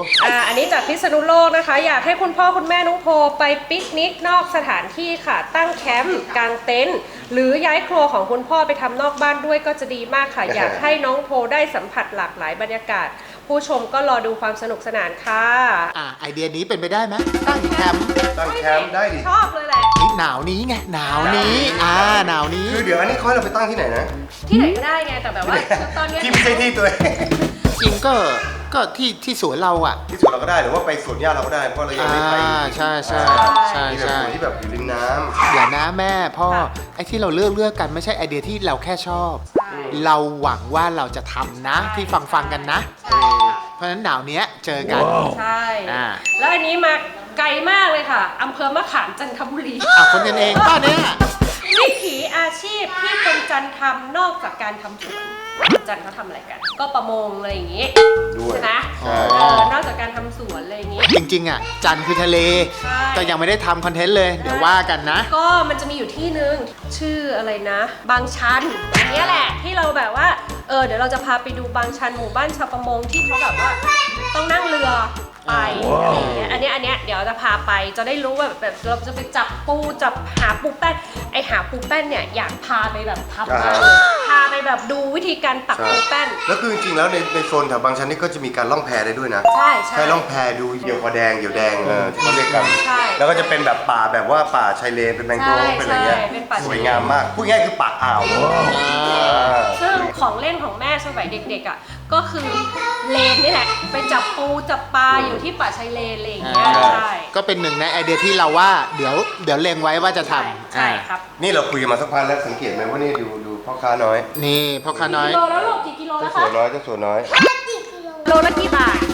[SPEAKER 3] อ่าอันนี้จากพิษณุโลกนะคะ อยากให้คุณพ่อคุณแม่น้องโพไปปิกนิกนอกสถานที่ค่ะ ตั้งแคมป์กางเต็นท์หรือย้ายครัวของคุณพ่อไปทำนอกบ้านด้วยก็จะดีมากค่ะ อยากให้น้องโพได้สัมผัสหลากหลายบรรยากาศ ผู้ชมก็รอดูความสนุกสนานค่ะ
[SPEAKER 2] อ่าไอเดียนี้เป็นไปได้ไหมตั้งแคมป์
[SPEAKER 1] ตั้งแคมป์ได้ดิ
[SPEAKER 3] ชอบเลยแหละ
[SPEAKER 2] นี่หนาวนี้ไงหนาวนี้อ่าหนาวนี้
[SPEAKER 1] คือเดี๋ยวอันนี้ค่อยเราไปตั้งที่ไหนนะ
[SPEAKER 3] ที่ไหนก็ได้ไงแต่แบบว่าตอนเนี้ย
[SPEAKER 1] ที่ไม่ใช่ที่ตัวเอง
[SPEAKER 2] จริงก็ก็ที่ที่สวนเราอ่ะ
[SPEAKER 1] ที่สวนเราก็ได้หรือว่าไปสวนหญ้าเราก็ได้เพราะเรายัง
[SPEAKER 2] อ่า
[SPEAKER 1] ไม่ไป
[SPEAKER 2] ใช่ใช่ใช่
[SPEAKER 1] มีแบบ
[SPEAKER 2] ใช่
[SPEAKER 1] สวนที่แบบอยู่ริมน้ำ
[SPEAKER 2] เดี๋ยวนะแม่พ่อไอ้ที่เราเลือกเลือกกันไม่ใช่ไอเดียที่เราแค่ชอบ เราหวังว่าเราจะทำนะที่ฟังฟังๆกันนะ
[SPEAKER 3] ใช่ค่ะ
[SPEAKER 2] เพราะฉะนั้นหนาวเนี้ยเจอกัน
[SPEAKER 3] ใช่
[SPEAKER 2] อ่า
[SPEAKER 3] แล้วอันนี้มาไกลมากเลยค่ะอำเภอมะขามจันทบุรี
[SPEAKER 2] อ่ะคนกันเองป้าเนี่ย
[SPEAKER 3] วิถีอาชีพที่คนจันทร์ทำนอกจากการทำสวนคนจันทร์เขาทำอะไรกัน ก็ประมงอะไรอย่างงี้
[SPEAKER 1] ด้วย
[SPEAKER 3] ใช่ไหม
[SPEAKER 1] ใช่
[SPEAKER 3] เออนอกจากการทำสวนอะไรอย่างงี้
[SPEAKER 2] จริงๆอ่ะจันทร์คือทะเล
[SPEAKER 3] ใช่
[SPEAKER 2] ก็ยังไม่ได้ทำคอนเทนต์เลย เดี๋ยวว่ากันนะ
[SPEAKER 3] ก็มันจะมีอยู่ที่นึงชื่ออะไรนะ บางชันอันเนี้ยแหละที่เราแบบว่าเออเดี๋ยวเราจะพาไปดูบางชันหมู่บ้านชาวประมงที่เขาแบบว่าต้องนั่งเรือไปอะไรอย่างเงี้ยอันเนี้ยอันเนี้ยเดี๋ยวจะพาไปจะได้รู้ว่าแบบแบบเราจะไปจับปูจับหาปูแป้นไอหาปูแป้นเนี่ยอยากพาไปแบบทำมากเลยพาไปแบบดูวิธีการตักปูแป้น
[SPEAKER 1] แล้วคือจริงๆแล้วในในโซนแถวบางชันนี่ก็จะมีการล่องแพได้ด้วยนะ
[SPEAKER 3] ใช่ใช่
[SPEAKER 1] ใช่ล่องแพดูเหยี่ยวคอแดงเหยี่ยวแดงเออที่เขาเรียกกัน
[SPEAKER 3] ใช่
[SPEAKER 1] แล้วก็จะเป็นแบบป่าแบบว่าป่าชายเลนเป็นแมงโกรฟ
[SPEAKER 3] ใช่
[SPEAKER 1] เป็นอะไรเงี้ย
[SPEAKER 3] ใช่เป็นป่าชายเลน
[SPEAKER 1] สวยงามมากพูดง่ายๆคือป่าอ่าวอ่า
[SPEAKER 3] ซึ่งของเล่นของแม่สมัยเด็กๆอ่ะก็คือเลนนี่แหละไปจับปูจับปลาอยู่ที่ป่าชายเลนอะไรอย่างเงี้ย
[SPEAKER 2] อ่า
[SPEAKER 3] ใช่
[SPEAKER 2] ก็เป็นหนึ่งในไอเดียที่เราว่าเดี๋ยวเดี๋ยวเล็งไว้ว่าจะทำ
[SPEAKER 3] ใช่
[SPEAKER 2] อ่า
[SPEAKER 3] ครับ
[SPEAKER 1] นี่เราคุยกันมาสักพักแล้วสังเกตไหมว่านี่ดูดูพ่อค้าน้อย
[SPEAKER 2] นี่พ่อค้าน้อย
[SPEAKER 3] กิโลแล้วลูกกี่กิโล
[SPEAKER 1] เจ้า
[SPEAKER 3] แล้ว
[SPEAKER 1] สั
[SPEAKER 3] คะ
[SPEAKER 1] วน้อยเจ้าสัวน้อย
[SPEAKER 3] โลละกี่บาท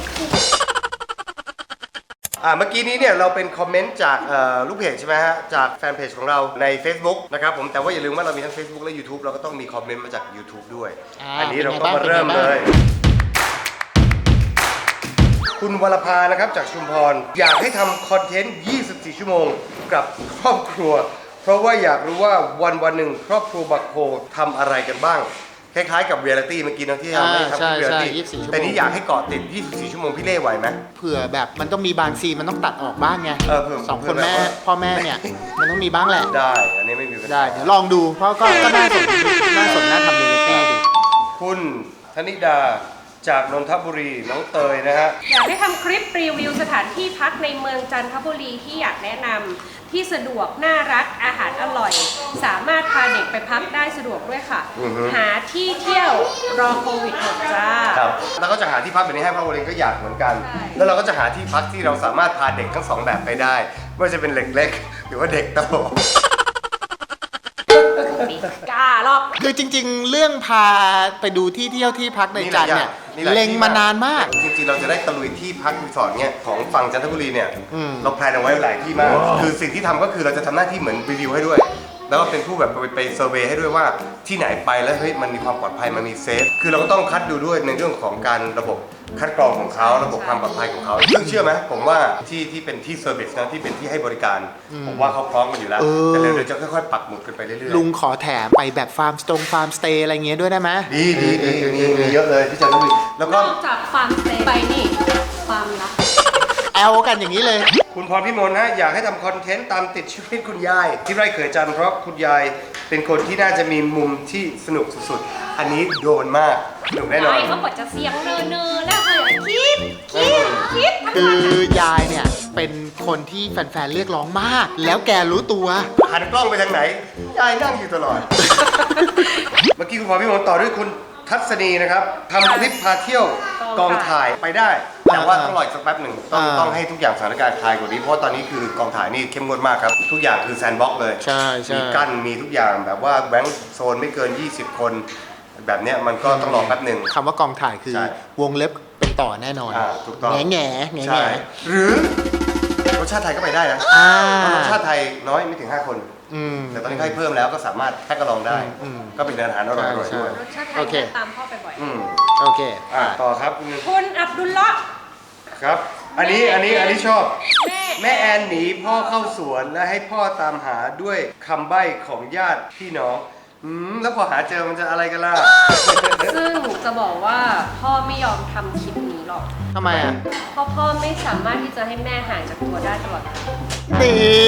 [SPEAKER 1] อ่าเมื่อกี้นี้เนี่ยเราเป็นคอมเมนต์จากเอ่อลูกเพจใช่ไหมฮะจากแฟนเพจของเราใน Facebook นะครับผมแต่ว่าอย่าลืมว่าเรามีทั้ง Facebook และ YouTube เราก็ต้องมีคอมเมนต์มาจาก YouTube ด้วย
[SPEAKER 2] อ่า
[SPEAKER 1] อันนี้เราก็
[SPEAKER 2] เป็นไงบ้าง
[SPEAKER 1] มาเริ่ม
[SPEAKER 2] เป็นไง
[SPEAKER 1] เล
[SPEAKER 2] บ้าง
[SPEAKER 1] ย คุณวรภานะครับจากชุมพร อยากให้ทำคอนเทนต์ ยี่สิบสี่ ชั่วโมงกับครอบครัว เพราะว่าอยากรู้ว่าวันวันหนึ่งครอบครัวบักโพทำอะไรกันบ้าง คล้ายๆกับเรียลิตี้เมื่อกี้นะที่เราได้
[SPEAKER 2] อ่า
[SPEAKER 1] ทำที่เรียลิ
[SPEAKER 2] ใช่
[SPEAKER 1] ตี้
[SPEAKER 2] ใช่ยี่สิบสี่ชั่วโมง
[SPEAKER 1] แต่นี้อยากให้เกาะติด ยี่สิบสี่ ชั่วโมงพี่เล่ไหวไหม
[SPEAKER 2] เผื่อแบบมันต้องมีบางซีนมันต้องตัดออกบ้างไง
[SPEAKER 1] เออเผื่อ
[SPEAKER 2] สอง
[SPEAKER 1] เผื่
[SPEAKER 2] ค
[SPEAKER 1] อน แบบ
[SPEAKER 2] แม่
[SPEAKER 1] ว่า
[SPEAKER 2] พ่อแม่เนี่ยมันต้องมีบ้างแหละ
[SPEAKER 1] ได้ อันนี้ไม่มีปัญหา
[SPEAKER 2] ได้เดี๋ยวลองดูเพราะก็ก็น่าสนน่าสนน่าทำเรียลลิตี้ดู
[SPEAKER 1] คุณธนิดาจากนนทบุรีน้องเตยนะฮะ
[SPEAKER 3] อยากให้ทำคลิปรีวิวสถานที่พักในเมืองจันทบุรีที่อยากแนะนำที่สะดวกน่ารักอาหารอร่อย สามารถพาเด็กไปพักได้สะดวกด้วยค่ะ
[SPEAKER 1] อือฮึ
[SPEAKER 3] หาที่เที่ยวรอโควิดหมดจ้า
[SPEAKER 1] ครับแล้วก็จะหาที่พักแบบนี้ให้พ่อวเองก็อยากเหมือนกัน
[SPEAKER 3] ใช่
[SPEAKER 1] แล้วเราก็จะหาที่พักที่เราสามารถพาเด็กทั้งสองแบบไปได้ไม่ว่าจะเป็นเด็กเล็กหรือว่าเด็กโต
[SPEAKER 3] กล้าหรอก
[SPEAKER 2] คือจริงๆ เรื่องพาไปดูที่เที่ยวที่พักในจันทร์เนี่ย
[SPEAKER 1] นี่แหละ
[SPEAKER 2] เล็งมานานมาก
[SPEAKER 1] จริงๆเราจะได้ตะลุยที่พักรีสอร์ทเนี่ยของฝั่งจันทบุรีเนี่ย
[SPEAKER 2] อืม
[SPEAKER 1] เราแพลนเอาไว้หลายที่มาก คือสิ่งที่ทำก็คือเราจะทำหน้าที่เหมือนรีวิวให้ด้วย แล้วก็เป็นผู้แบบไปไปเซอร์เวย์ให้ด้วยว่าที่ไหนไปแล้วเฮ้ยมันมีความปลอดภัยมันมีเซฟคือเราก็ต้องคัดดูด้วยในเรื่องของการระบบคัดกรองของเขาระบบความปลอดภัยของเขาซึ่งเชื่อไหมผมว่าที่ที่เป็นที่เซอร์วิสนะที่เป็นที่ให้บริการ ผมว่าเขาพร้อมกันอยู่แล้ว
[SPEAKER 2] เออ
[SPEAKER 1] แต่เดี๋ยวจะค่อยๆปักหมุดกันไปเรื่อยๆ
[SPEAKER 2] ลุงขอแถมไปแบบฟาร์มสตงฟาร์มสเตย์อะไรเงี้ยด้วยได้ไหม
[SPEAKER 1] ดีดีดีมีมีเยอะเลยที่จันทบุรีแล้ว
[SPEAKER 3] น
[SPEAKER 1] ก็
[SPEAKER 3] อกจากฟาร์มสเตย์ไปนี่ฟาร์มลับ
[SPEAKER 2] แอลกันอย่างนี้เลย
[SPEAKER 1] คุณพรพิมลฮะอยากให้ทำคอนเทนต์ตามติดชีวิตคุณยาย ที่ไร่เขยจันทร์เพราะคุณยายเป็นคนที่น่าจะมีมุมที่สนุกสุดๆ อันนี้โดนมากสนุกแน่นอน
[SPEAKER 3] ไอ้เขาบอกจะเสียงเนอเนอๆแล้วเลยคิดคิดคิดทั้ง
[SPEAKER 2] คื
[SPEAKER 3] วัน
[SPEAKER 2] อยายเนี่ยเป็นคนที่แฟนๆเรียกร้องมาก แล้วแกรู้ตัว
[SPEAKER 1] หันกล้องไปทางไหน ยายนั่งอยู่ตลอด เมื่อกี้คุณพรพิมลต่อด้วยคุณทัศนีนะครับทำคลิปพาเที่ยวกองถ่ายไปได้ แต่ว่าต้องรออีกสักแป๊บหนึ่งต้อง
[SPEAKER 2] อ่า
[SPEAKER 1] ต้องให้ทุกอย่างสถานการณ์คลายกว่านี้เพราะว่าตอนนี้คือกองถ่ายนี่เข้มงวดมากครับ ทุกอย่างคือแซนด์บ็อกซ์เลย
[SPEAKER 2] ใช่ใช่
[SPEAKER 1] มีกั้นมีทุกอย่างแบบว่าแบงค์โซนไม่เกิน ยี่สิบ คน แบบเนี้ยมันก็ต้องรอแป๊บหนึ่ง
[SPEAKER 2] คำว่ากองถ่ายคือ
[SPEAKER 1] ใช่
[SPEAKER 2] วงเล็บเป็นต่อแน่นอน
[SPEAKER 1] อ่าถูกต้อง
[SPEAKER 2] แง่แง่แง่
[SPEAKER 1] ใช่
[SPEAKER 2] แง่
[SPEAKER 1] หรือรสชาติไทยก็ไปได้นะ
[SPEAKER 2] อ่า
[SPEAKER 1] เพราะรสชาติไทยน้อยไม่ถึงห้าคน
[SPEAKER 2] อืม
[SPEAKER 1] แต่ตอนนี้ให้เพิ่มแล้วก็สามารถแพ็กกระลองได้
[SPEAKER 2] อืม
[SPEAKER 1] ก็เป็นอาหารอร่อยๆ
[SPEAKER 2] ใช่
[SPEAKER 1] ด้วย
[SPEAKER 3] รสชาติไท
[SPEAKER 2] โอย เค
[SPEAKER 3] ตามพ่อไปบ่อย
[SPEAKER 1] อืม
[SPEAKER 2] โอเค
[SPEAKER 1] อ่ะต่อครับคุณ
[SPEAKER 3] คุณอับดุลเลาะห์
[SPEAKER 1] ครับ อันนี้อันนี้อันนี้ชอบ
[SPEAKER 3] แม่
[SPEAKER 1] แม่แอนหนีพ่อเข้าสวนและให้พ่อตามหาด้วยคำใบ้ของญาติพี่น้องอืมแล้วพอหาเจอมันจะอะไรกันล่ะ
[SPEAKER 3] ซึ่งจะบอกว่าพ่อไม่ยอมทำคลิปนี้หรรอก
[SPEAKER 2] ทำไมอ่ะ
[SPEAKER 3] เพราะพ่อไม่สามารถที่จะให้แม่ห่างจากตัวได้ตลอดเวลา
[SPEAKER 2] นี่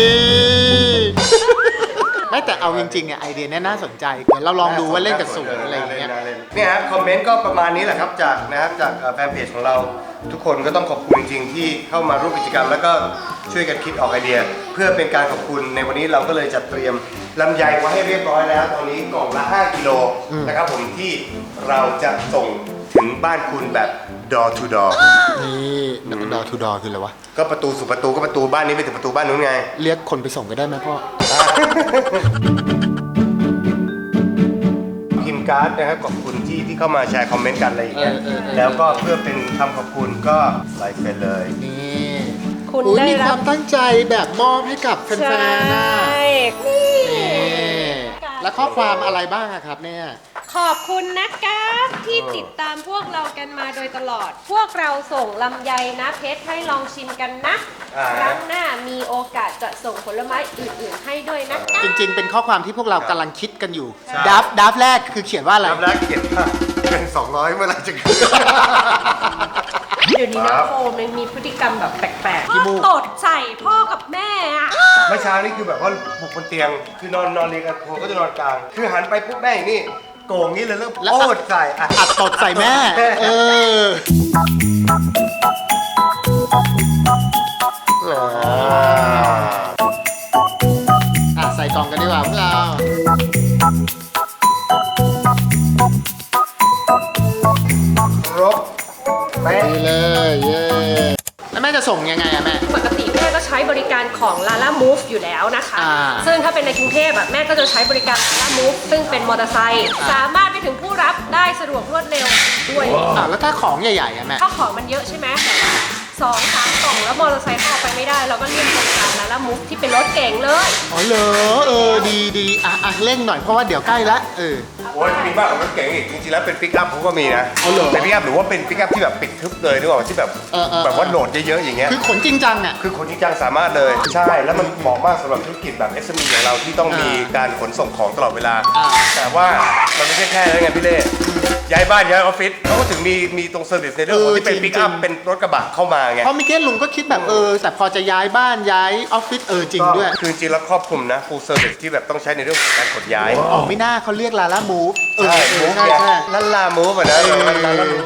[SPEAKER 2] ไม่แต่เอาจริงๆอ่ะไอเดียเนี้ยน่าสนใจเดี๋ยวเราลองดูว่าเล่นกับศูนย์อะไรอย่างเงี้ย
[SPEAKER 1] เนี่ยฮะคอมเมนต์ก็ประมาณนี้แหละครับจากนะครับจากเอ่อแฟนเพจของเราทุกคนก็ต้องขอบคุณจริงๆที่เข้ามาร่วมกิจกรรม แล้วก็ช่วยกันคิดออกไอเดีย เพื่อเป็นการขอบคุณในวันนี้เราก็เลยจัดเตรียมลำไยไว้ให้เรียบร้อยแล้ว ตอนนี้กล่องละห้ากิโลนะครับผมที่เราจะส่งถึงบ้านคุณแบบ door to door
[SPEAKER 2] นี่ดอทูดอคืออะไรวะ
[SPEAKER 1] ก็ประตูสู่ประตูก็ประตูบ้านนี้ไปถึงประตูบ้านนู้นไง
[SPEAKER 2] เรียกคนไปส่งก็ได้ไหมพ่อ
[SPEAKER 1] พิมพ์การ์ดนะครับขอบคุณที่ที่เข้ามาแชร์คอมเมนต์กันอะไรอย่างเงี้ย
[SPEAKER 2] เออเออเออ
[SPEAKER 1] แล้วก็เพื่อเป็นคำขอบคุณก็ไลค์ไปเลย
[SPEAKER 2] นี่
[SPEAKER 3] คุณ
[SPEAKER 2] อุ๊ย
[SPEAKER 3] ได้
[SPEAKER 2] มี
[SPEAKER 3] รั
[SPEAKER 2] ค
[SPEAKER 3] บ
[SPEAKER 2] วามตั้งใจแบบมอบให้กับแฟน
[SPEAKER 3] ใช่
[SPEAKER 2] ๆนะ
[SPEAKER 3] นี่
[SPEAKER 2] นี่แล้วข้อความอะไรบ้างอะครับเนี่ย
[SPEAKER 3] ขอบคุณนะคะที่ติดตามพวกเรากันมาโดยตลอด พวกเราส่งลำไยนะเพชรให้ลองชิมกันนะ
[SPEAKER 1] อ่า
[SPEAKER 3] ครั้งหน้ามีโอกาสจะส่งผลไม้อื่นๆให้ด้วยนะคะ
[SPEAKER 2] จริงๆ เป็นข้อความที่พวกเรากำลังคิดกันอยู่
[SPEAKER 1] ใช่
[SPEAKER 2] ดับดับแรกคือเขียนว่าอะไร
[SPEAKER 1] รับแรกเก็บว่าเงินสองร้อยเมื่อไหรจะคืน
[SPEAKER 3] เดี๋ยวนี้
[SPEAKER 1] ค
[SPEAKER 3] นะ
[SPEAKER 1] รับ
[SPEAKER 3] โฟมมันมีพฤติกรรมแบบแปลกๆ
[SPEAKER 2] ขี้มูก
[SPEAKER 3] ตดใส่พ่อกับแม่อะ
[SPEAKER 1] เมื่อเช้านี่คือแบบว่าบุกบนเตียง คือนอนนอนเรียงกันผมก็จะนอนกลาง คือหันไปปุ๊บแม่อย่างนี่โก่งนี้เลยเริ่มโอดใส่อ่ะ
[SPEAKER 2] อัดตดใส่แม่ เออ อ่ะใส่กล่องกันดีกว่าพวกเรา
[SPEAKER 1] ครบเป๊ะ
[SPEAKER 2] ดีเลย เย้แล้วแม่จะส่งยังไงอะแม่
[SPEAKER 3] ปกติแม่ก็ใช้บริการของ Lala Move อยู่แล้วนะคะ
[SPEAKER 2] อ่า
[SPEAKER 3] ซึ่งถ้าเป็นในกรุงเทพอะแม่ก็จะใช้บริการ Lala Move ซึ่งเป็นมอเตอร์ไซค์สามารถไปถึงผู้รับได้สะดวกรวดเร็วด้วย
[SPEAKER 2] อ่ะแล้วถ้าของใหญ่ๆอะแม่
[SPEAKER 3] ถ้าของมันเยอะใช่ไหมแบบว่าสองสามกล่องแล้วมอเตอร์ไซค์เข้าไปไม่ได้ เราก็เรียกบริการ Lala Move ที่เป็นรถเก๋งเลย
[SPEAKER 2] อ๋อเหรอ เออ ดีดีอ่ะอ่ะเร่งหน่อยเพราะว่าเดี๋ยวใกล้ละเออ
[SPEAKER 1] โอ้ยมีมากกว่ารถเก๋งอีก จริงๆแล้วเป็นปิกอัพผมก็มีนะ
[SPEAKER 2] เอาเหรอ
[SPEAKER 1] เป็นปิกอัพหรือว่าเป็นปิกอัพที่แบบปิดทึบเลยนึกออกไหมที่แบบ
[SPEAKER 2] เออเออ
[SPEAKER 1] แบบว่าโหลดเยอะๆอย่างเงี้ย
[SPEAKER 2] คือขนจริงจังอะ
[SPEAKER 1] คือคนจริงจังสามารถเลย ใช่ แล้วมันเหมาะมากสำหรับธุรกิจแบบ เอส เอ็ม อี อย่างเราที่ต้องมีการขนส่งของตลอดเวลา
[SPEAKER 2] อ่า
[SPEAKER 1] แต่ว่ามันไม่ใช่แค่นั้นไงพี่เล่ย้ายบ้านย้ายออฟฟิศเขาก็ถึงมีมีตรงเซอร์วิสในเรื่องของที่เป็นปิกอัพเป็นรถกระบะเข้ามาไง
[SPEAKER 2] เพราะเมื่อกี้ลุงก็คิดแบบเออ แต่พอจะย้ายบ้านย้ายออฟฟิศเออจริงด้วย
[SPEAKER 1] ก็คือจริงๆแล้วครอบคลุมนะ full service ที่แบบต้องใช้ในเรื่องของการขนย้าย
[SPEAKER 2] อ๋อไม่น่าเขาเรียกลาล่ามูฟเออ
[SPEAKER 1] ใช่
[SPEAKER 2] เอ
[SPEAKER 1] มู
[SPEAKER 2] อ
[SPEAKER 1] ฟ
[SPEAKER 2] ใช่
[SPEAKER 1] เนี่ย
[SPEAKER 2] ใช่
[SPEAKER 1] ลันลามูฟอ่ะนะ
[SPEAKER 2] เออ
[SPEAKER 1] ลันลามูฟ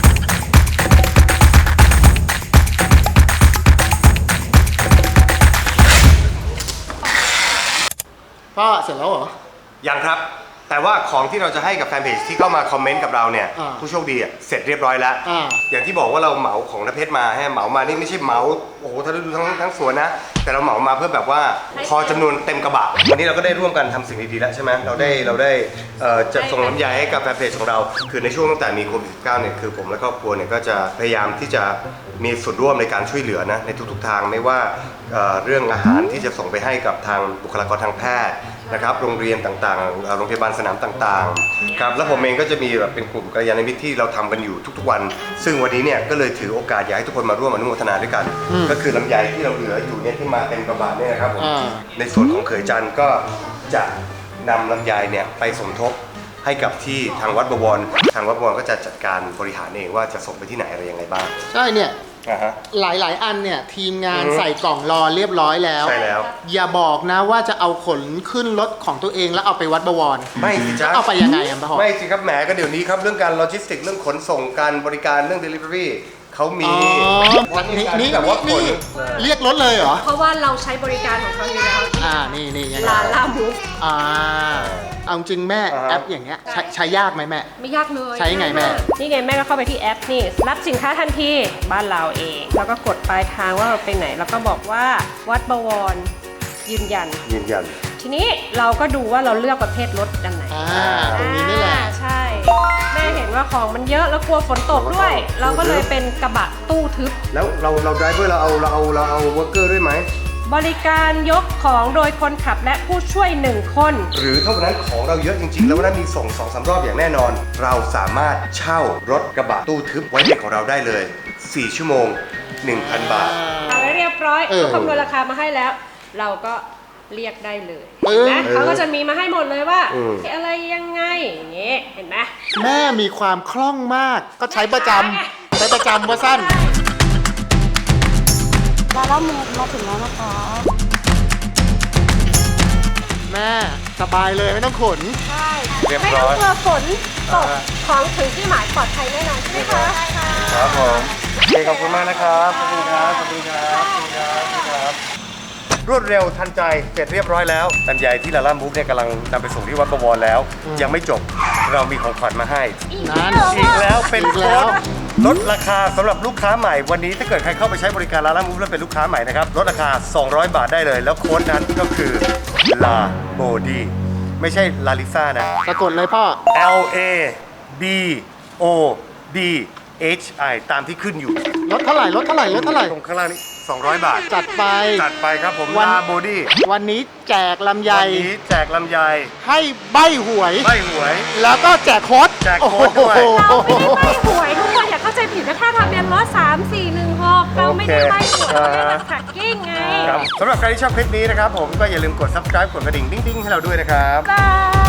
[SPEAKER 2] พ่อเสร็จแล้วเหรอ
[SPEAKER 1] ยังครับ แต่ว่าของที่เราจะให้กับแฟนเพจที่เข้ามาคอมเมนต์กับเราเนี่ย
[SPEAKER 2] อ่า
[SPEAKER 1] ผู้โชคดีอ่ะเสร็จเรียบร้อยแล้ว
[SPEAKER 2] อ่า
[SPEAKER 1] อย่างที่บอกว่าเราเหมาของนเพชรมาให้เหมามานี่ไม่ใช่เหมาโอ้โหทั้งทั้งทั้งสวนนะ แต่เราเหมามาเพื่อแบบว่าพอจำนวนเต็มกระบะวันนี้เราก็ได้ร่วมกันทำสิ่งดีๆแล้วใช่ไหมเราได้เราได้เอ่อจะส่งน้ำยาให้กับแฟนเพจของเรา คือในช่วงตั้งแต่มีโควิด สิบเก้า เนี่ยคือผมและครอบครัวเนี่ยก็จะพยายามที่จะมีส่วนร่วมในการช่วยเหลือนะในทุกๆทางไม่ว่าเอ่อเรื่องอาหารที่จะส่งไปให้กับทางบุคลากรทางแพทย์นะครับโรงเรียนต่างๆเอ่อโรงพยาบาลสนามต่างๆครับแล้วผมเองก็จะมีแบบเป็นกลุ่มกัลยาณมิตรที่เราทำกันอยู่ทุกๆวัน ซึ่งวันนี้เนี่ยก็เลยถือโอกาสอยากให้ทุกคนมาร่วมอนุโมทนาด้วยกัน ก็คือลำไยที่เราเหลืออยู่เนี่ยที่มาเต็มกระบะเนี่ยนะครับผม
[SPEAKER 2] อ่า
[SPEAKER 1] ในส่วนของเขยจันทร์ก็จะนำลำไยเนี่ยไปสมทบให้กับที่ทางวัดบวรทางวัดบวรก็จะจัดการบริหารเองว่าจะส่งไปที่ไหนอะไรยังไงบ้าง
[SPEAKER 2] ใช่เนี่ย
[SPEAKER 1] อ่าฮะ
[SPEAKER 2] หลายๆ อันเนี่ย ทีมงาน
[SPEAKER 1] อือฮึ
[SPEAKER 2] ใส่กล่องรอเรียบร้อยแล้ว
[SPEAKER 1] ใช่แล้ว
[SPEAKER 2] อย่าบอกนะว่าจะเอาขนขึ้นรถของตัวเองแล้วเอาไปวัดบวร
[SPEAKER 1] ไม่สิจ๊ะ
[SPEAKER 2] เอาไปยังไงอ่ะพ่อ
[SPEAKER 1] ไม่สิครับแหมก็เดี๋ยวนี้ครับเรื่องการโลจิสติกเรื่องขนส่งการบริการเรื่อง Delivery เขามี
[SPEAKER 2] อ๋อ นี่นี่
[SPEAKER 1] แบบว่าข
[SPEAKER 2] นี่
[SPEAKER 1] น
[SPEAKER 2] เรียกรถเลยเหรอ
[SPEAKER 3] เพราะว่าเราใช้บริการของเขาอยู่แล้ว
[SPEAKER 2] อ่า นี่นี่ยังไง
[SPEAKER 3] Lala Move
[SPEAKER 2] อ่า เอาจริงแม่
[SPEAKER 1] อ่าฮะ
[SPEAKER 2] แอปอย่างเงี้ยใช้ใช้ยากไหมแม่
[SPEAKER 3] ไม่ยากเลย
[SPEAKER 2] ใช้ยังไงแม่
[SPEAKER 3] นี่ไงแม่ก็เข้าไปที่แอปนี่รับสินค้าทันทีบ้านเราเอง แล้วก็กดปลายทางว่าเราไปไหน แล้วก็บอกว่าวัดบวรยืนยัน
[SPEAKER 1] ยืนยัน
[SPEAKER 3] ทีนี้เราก็ดูว่าเราเลือกประเภทรถอันไหน
[SPEAKER 2] อ่า ตรงนี้นี่แหละ
[SPEAKER 3] อ่าใช่ แม่เห็นว่าของมันเยอะแล้วกลัวฝนตกด้วย เราก็เลยเป็นกระบะตู้ทึบ
[SPEAKER 1] แล้วเราเราไดรเวอร์เราเอาเราเอาเราเอาเวิร์กเกอร์ด้วยไหม
[SPEAKER 3] บริการยกของโดยคนขับและผู้ช่วยหนึ่งคน
[SPEAKER 1] หรือถ้าวันนั้นของเราเยอะจริงๆ แล้ววันนั้นมีส่งสองสามรอบอย่างแน่นอน เราสามารถเช่ารถกระบะตู้ทึบไว้เด็กของเราได้เลยสี่ชั่วโมง หนึ่งพัน บาท
[SPEAKER 3] เอาไว้เรียบร้อย
[SPEAKER 2] เออ
[SPEAKER 3] เขาคำนวณราคามาให้แล้ว เราก็เรียกได้เลย
[SPEAKER 2] เออ
[SPEAKER 3] นะเขาก็จะมีมาให้หมดเลยว่า
[SPEAKER 1] อืม
[SPEAKER 3] อะไรยังไงอย่างเงี้ยเห็นไหม
[SPEAKER 2] แม่มีความคล่องมาก ก็ใช้ประจำไปประจำว่าสั้น
[SPEAKER 4] ลาล่ามูฟมาถึงแล้วนะคะ
[SPEAKER 2] แม่สบายเลยไม่ต้องขน
[SPEAKER 3] ใช่
[SPEAKER 1] เรียบ
[SPEAKER 3] ไม่
[SPEAKER 1] ร้
[SPEAKER 3] ต้อ
[SPEAKER 1] อง ย
[SPEAKER 3] กลัวฝนตกของถึงที่หมายปลอดภัยแน่นอนใช่ไหมคะใช่ค่ะ
[SPEAKER 1] ครับผมโอเคขอบคุณมากนะครับ ขอบคุณครับ ขอบคุณครับ ขอบคุณครับขอบคุณครับ รวดเร็วทันใจ เสร็จเรียบร้อยแล้วลำไยที่ลาล่ามูฟเนี่ยกำลังนำไปส่งที่วัดประวรแล้ว ยังไม่จบ เรามีของขวัญมาให้
[SPEAKER 2] นั่น
[SPEAKER 1] อีกแล้วเป็น
[SPEAKER 2] อีก
[SPEAKER 1] โค้
[SPEAKER 2] แล้ว
[SPEAKER 1] ดลดราคาสำหรับลูกค้าใหม่ วันนี้ถ้าเกิดใครเข้าไปใช้บริการลาล่ามูฟแล้วเป็นลูกค้าใหม่นะครับ ลดราคา สองร้อย บาทได้เลย แล้วโค้ดนั้นก็คือลาโบดีไม่ใช่ลาลิซ่านะ
[SPEAKER 2] สะกดเลยพ่อ
[SPEAKER 1] L A B O D H I ตามที่ขึ้นอยู่
[SPEAKER 2] ลดเท่าไหร่ลดเท่าไหร่ลดเท่าไหร่
[SPEAKER 1] ตรงข้างล่างนี้สองร้อย บาท
[SPEAKER 2] จัดไป
[SPEAKER 1] จัดไปครับผม
[SPEAKER 2] วัน
[SPEAKER 1] ลาโบดี้
[SPEAKER 2] วันนี้แจกลำไย
[SPEAKER 1] วันนี้แจกลำไย
[SPEAKER 2] ให้ใบหวย
[SPEAKER 1] ใบหวย
[SPEAKER 2] แล้วก็แจกโค้ด
[SPEAKER 1] แจกโค้ดด้วย
[SPEAKER 3] เราไม่ได้ใบหวยทุกคนอย่าเข้าใจผิดนะถ้าทะเบียนรถสามสี่หนึ่งหกเราไม่ได้ใบหวยเราได้มาแท็กกิ้งไง
[SPEAKER 1] ครับสำหรับใครที่ชอบคลิปนี้นะครับผมก็อย่าลืมกด subscribe กดกระดิ่งดิ้งๆให้เราด้วยนะครับ
[SPEAKER 3] บาย